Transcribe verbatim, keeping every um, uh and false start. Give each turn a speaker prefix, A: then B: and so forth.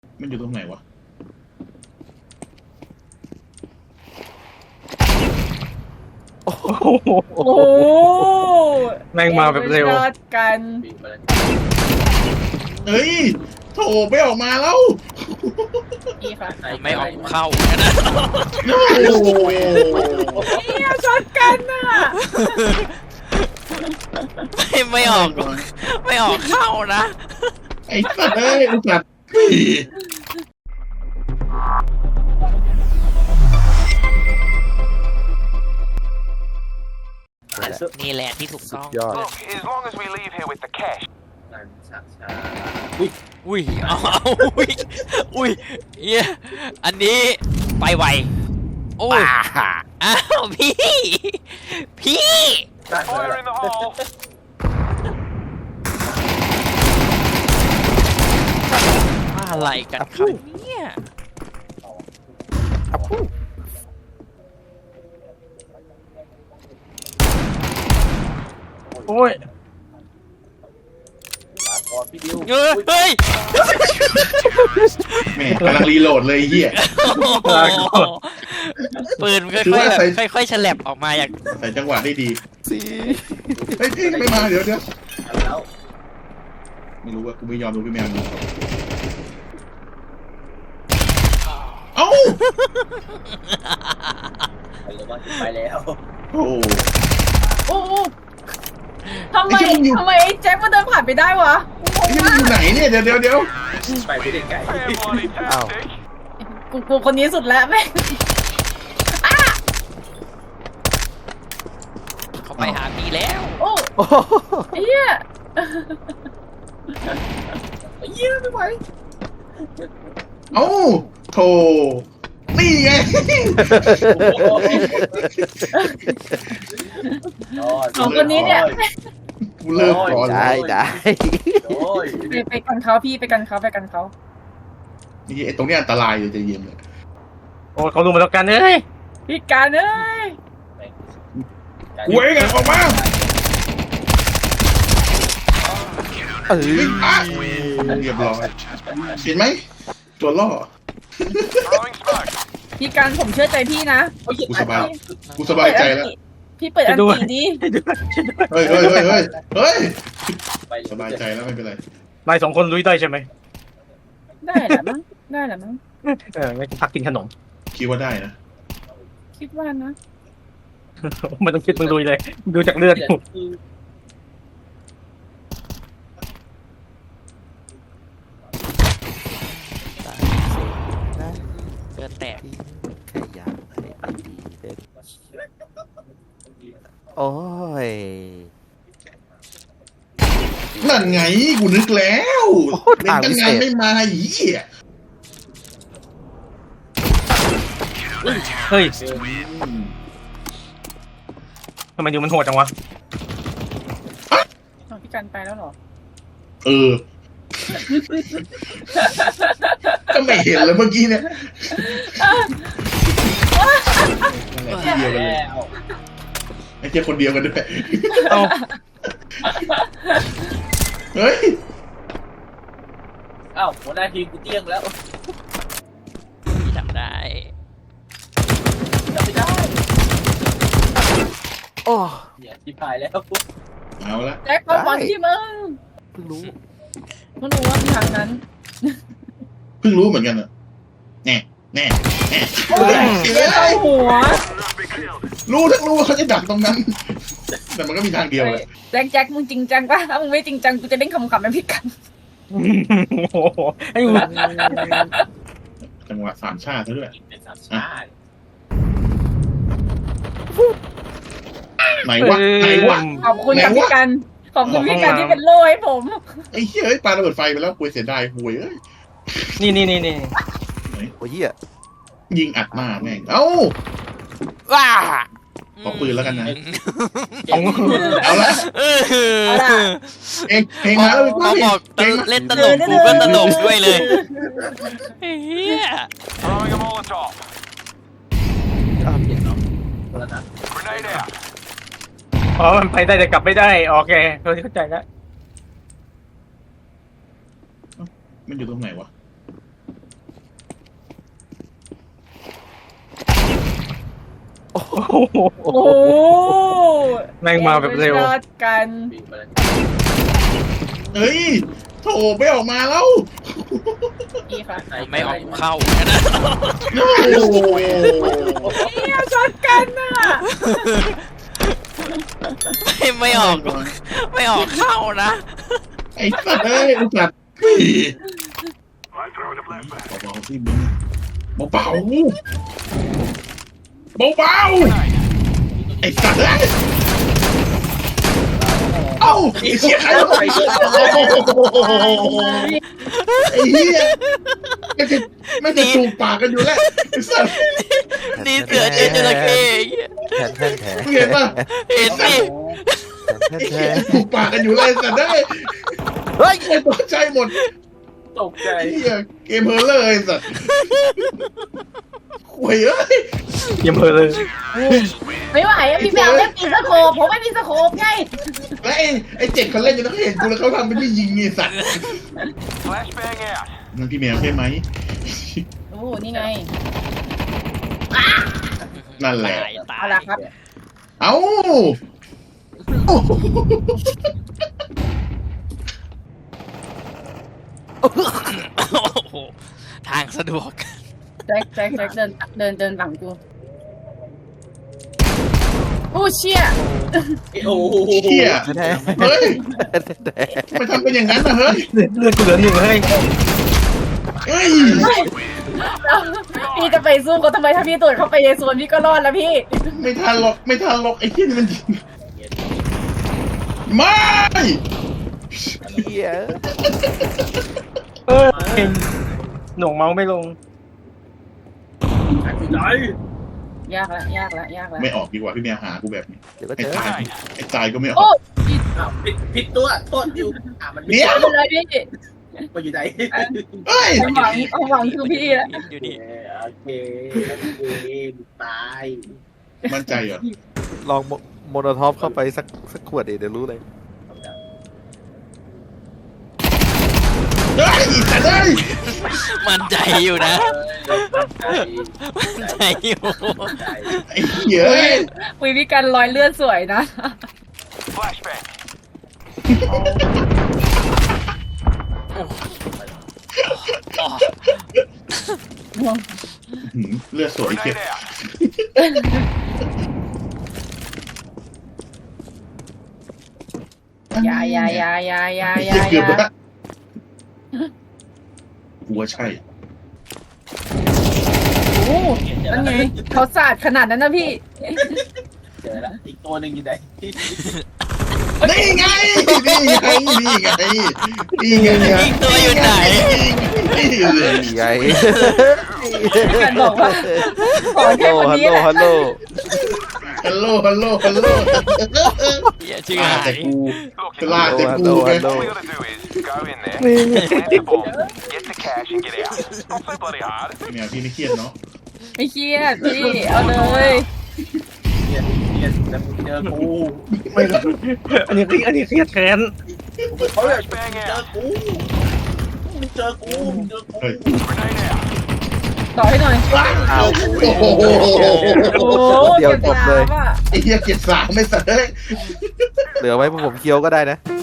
A: มันอยู่ตรงไหนวะ
B: โอ้โห
C: โอ้โห
B: แม่งมาแบบเร็ว
C: อดกัน
A: เฮ้ยโถไม่ออกมาแล้ว
C: นี่ค่ะ
D: ไม่ออกเข้านะ
A: โอ้โห
C: เนี่ยชดกันน่ะ
D: ไม่ไม่ออกไม่ออกเข้านะ
A: ไอ้สัตว์เอ้ยอุตส่าห์
D: นี่แหละที่ถูกต้อง
B: ยอด
E: Look, as long as we leave here with the cash.
D: อุ้ยเอาเอาอุ้ยอุ้ยเหี้ยอันนี้ไปไวโอ้ยอ้าวพี่พี่
E: Fire in the hole.
D: อะไรกันครับเนี่ย
B: โอ้ย
D: เออเฮ้ย
A: แม่กำลังรีโหลดเลยไอ้เหี้ย
D: ปืนค่
A: ถือ
D: อย
A: ว่า
D: ๆ
A: ใส่
D: แบบค่อยๆฉลับออกมาอย่าง
A: ใส่จังหวะได้ดีเฮ้ยพี่ไม่มาเดี๋ยวเดี๋ยวไม่รู้ว่ากูไม่ยอมดูพี่แมวดูเอ้า
F: ไปแล้ว
A: โอ้โห
C: โอ้โหทำไม
A: ไอ้เจ้ามันอยู่
C: ทำไมแจ็คมันเดินผ่านไปได้วะ
A: ไอ้นี่มันอยู่ไหนเนี่ยเดี๋ยวเดี๋ยวเดี๋ยว
F: ไปไม่ได้ไกล
E: Fair bloody tastic.
C: กูกูคนนี้สุดแล้วแม่ง
D: เขาไปหาพี่แล้ว
C: โอ้
B: โอ้โห
C: เฮีย
F: เยี่ยไม่ไหว
A: เอ้าโถนี่ไง
C: สองคนนี้เนี่ย
A: กูเลิกก่อน
B: ได้ได้
F: โอ้ย
C: ไปไปกันเขาพี่ไปกันเขาไปกันเขา
A: นี่ไอ้ตรงเนี้ยอันตรายเลยใจเย็นเลย
B: โอ้ยเขารู้มาแล้วกันเอ้ย
C: พี่การเอ้ย
A: กูเองอะออกมา
B: เออ
A: เฮ้ยอ่ะเรียบร้อยเห็นไหมตัวล่อ
E: Throwing smoke.
C: พี่การผมเชื่อใจพี่นะ
A: กูสบายกูสบายใจแล้ว
C: พี่เปิดอันตีดิ
A: เฮ้ยเฮ้ยเฮ้ยเฮ้ยเฮ้ย
F: ไป
A: สบายใจแล้วไม่เป็นไร
B: นายสองคนลุยได้ใช่ไหม
C: ได้แหละมั้งได้แหละมั้ง
B: เออไม่พักกินขนม
A: คิดว่าได้นะ
C: คิดว่านะ
B: ไม่ต้องคิดมึงลุยเลย ดูจากเลือด
D: เกินแตก
B: โอ้ย
A: นั่นไงกูนึกแล้ว
B: โอ้โห
A: เล่นตั้งนานไม่มาอีอ่ะ
B: เฮ้ยทำไมดูมันโหดจังวะ
C: พี่การไปแล้วหรอ
A: เออก็ไม่เห็นเลยเมื่อกี้เนี่ยนั่นแหละที่เดียวกันเลย
F: แล้ว
A: ไอ้เจ้าคนเดียวกันด้วย
B: เอ้า
A: เฮ้ย
F: เอ้าหัวหน้าทีมกูเตี้ยงแล้ว
D: พี่ทำได้
F: จำไม่ได้
B: โอ้
F: เนี่ยที่พายแล้ว
A: เอาละ
C: แจ็คบอลบอลที่มึง
B: เพิ่งรู้
C: มึงรู้ว่ามีทางนั้น
A: เพิ่งรู้เหมือนกันอ่ะแน่แน่แน่
C: โอ้ยเข้าหัว
A: รู้ทั้งรู้ว่าเขาจะดักตรงนั้น แต่มันก็มีทางเดียวเลย
C: แจ็คแจ็คมึงจริงจังปะถ้ามึงไม่จริงจังกูจะเล่นคำขำเป็นพี่กัน
B: โอ้โหไอ้มึง
A: จังหวะสามชาติซะด้วย
F: เป็นสามชาติ
A: ไหนวะไหนวะ
C: ขอบคุณกับ
A: ไหนวะ
C: พี่กันขอบคุณพี่กันที่เป็นโล่ให้ผม
A: ไอ้เฮ้ยปาระเบิดไฟไปแล้วคุยเสียดายคุยเอ้ย
B: นี่นี่นี่นี่
G: โอ้ยเหี้ย
A: ยิงอัดหน้าแม่งเอ้า
D: ว้า
A: ขอปืนแล้วกันนะ
B: ของ
A: เอาละ
D: เออ
C: เอาล่ะ
A: เองเพลงมาแล้ว
D: พอบอก
A: เพลงมา
D: เล่นตลกกูก็ตลกด้วยเลยเฮีย
E: Throwing a Molotov.
F: อ้าวเปลี่ยนเนาะคนละนัด
E: Grenade out.
B: อ๋อมันไปได้แต่กลับไม่ได้โอเคเข้าใจแล้ว
A: มันอยู่ตรงไหนวะ
B: โห
C: โอ้โห
B: แม่งมาแบบเร็ว
C: ยอดกัน
A: เฮ้ยโถไม่ออกมาแล้ว
C: ดีค่ะ
D: ไม่ออกเข้านะ
A: โอ้โห
C: เนี่ยยอดกันอ่ะ
D: ไม่ไม่ออก ไม่ออกเข้านะ
A: ไอ้สัตว์เอ้ยไอ้สัตว์เบาๆที่มึงเบาๆเบาๆไอ้สัตว์เอ้ยเอ้าไอ้เชี่ยใครวะไอ้เหี้ยไม่จะไม่จะจูบปากกันอยู่แล้วไอ้สัตว์
D: นี่เสือเจอจระเข้
F: แทนแทนแทน
A: มึงเห็นป่ะ
D: เห็นสิ
F: แทน
A: ไอ้
F: แท
A: เหี้ย
F: น
A: จูบปากกันอยู่เลยไอ้สัตว์ได้
F: เฮ้ย
A: ไอ้ตัวใจหมด
B: ตกใจ
A: ไอ้เหี้ยเกมเฮอร์เลอร์ไอ้สัตว์ห่วยเอ้ย
B: เยี่ยมเลย
C: ไม่ไหวอะพี่แมวเล่นปีสโคปผมไม่มีสโคปไง
A: แล้วไอ้ไอ้เจ็ดเขาเล่นจนเขาเห็นกูแล้วเขาทำเป็นไม่ยิงไอ้สัตว์
E: Flashbang out.
A: นั่นพี่แมวใช่ไหม
C: โอ้โหนี่ไง
A: นั่นแหละ
D: ตายตา
C: เอา
D: ย
C: ละครับ
A: เอ้า
D: โอ้โหทางสะดวก
C: แจ็คแจ็คแจ็คเดินเดินเดินหลังกูโอ้เชี่ย
F: โอ้โห
A: เหี้ย
F: แทน
A: เฮ้ย
F: แทนแทน
A: ไม่ทำเป็นอย่างนั้นนะเฮ้ย
B: เลือดกูเหลือหนึ่งเลย
A: เฮ้ย
C: พี่จะไปสู้เขาทำไมถ้าพี่ตรวจเข้าไปในโซนพี่ก็รอดแล้วพี่
A: ไม่ทันหรอกไม่ทันหรอกไอ้เหี้ยนี่มันยิงไม่
F: เหี้ย
B: เออหน่วงเมาส์ไม่ลง
C: ยากละยากละยากละ
A: ไม่ออกดีกว่าพี่แมวหากูแบบนี้
F: เดี๋ยวก็
A: ไอ้
F: เจอ
A: ตายไอ้ตายก็ไม่อ
C: โอ้
A: อก
G: ผิดผิดตัวโทษอยู่อ่ะมัน
A: เดี๋ยว
C: ไปเลยพี่
G: มาอยู่ไหน
A: เฮ้ย
C: ความหวังความหวังคือพี่ละ
D: อยู่ดี
G: โอเคโอเคตาย
A: มั่นใจเหรอ
F: ลองโมโนท็อปเข้าไปสักสักขวดดิเดี๋ยวรู้เลย
A: เฮ้ยสัตว์เอ้ย
D: มั่นใจอยู่นะ มั่นใจอยู่
A: ไอ้เหี้ยเอ้ย
C: คุยพี่กันรอยเลือดสวยนะ
E: Flashbang.
D: อ๋อ
A: หืมเลือดสวยเก็บ
E: Grenade out.
C: อย่าอย่าอย่าอย่าอย่าอย่า
A: เกือบ
C: อย่า
A: แล้วกูว่าใช่
C: โอ้นั่นไงเขาสาดขนาดนั้นนะพี่
G: เจอแล้วอีกตัวหนึ่งอยู่ไหน
A: นี่ไงนี่ไงนี่ไงนี่ไง
D: อีกตัวอยู่ไหน
A: นี่ไง
F: นี่ไง
C: กันบอกว่าขอ
F: ฮัลโหล
C: แค่คน
F: ฮัล
C: นี้
F: โหล
C: แหละ
F: ฮัลโหล
A: ฮัลโหลฮัลโหลฮัลโหล
D: อย่าชื่อ
A: ลา
D: หา
A: แต่
D: ย
A: กู
E: Look,
A: จะลาแต่
F: ฮัล
A: กู
F: โหล
A: ไง
F: ฮัลโหล
E: all we gotta do is go in there, plant the bomb, get the cash, and get out. Not so bloody hard.
A: แมวพี่ไม่เครียดเนาะ
C: ไม่เครียดพี่เอาเลย
G: เนี่ยเนี่ยแต่มึงเจอกู
B: ไม่ลงอันนี้อันนี้เครียดแค้น
G: เขาอยาก
E: Flashbang
G: เจอ
E: out.
G: กูมึงเจอกูมึงเจอกู
A: เฮ้ย
E: Grenade out.
C: ต่อให้หน่อย
F: อ้าว
A: โอ้โห
C: โอ้
F: เดี๋ยวจบเลย
C: ก็บน้ำอะ
A: ไอ้เหี้ยเก็บสามไม่สัตว์เอ้ย
F: เหลือไว้พวกผมเคี้ยวก็ได้นะ
C: โ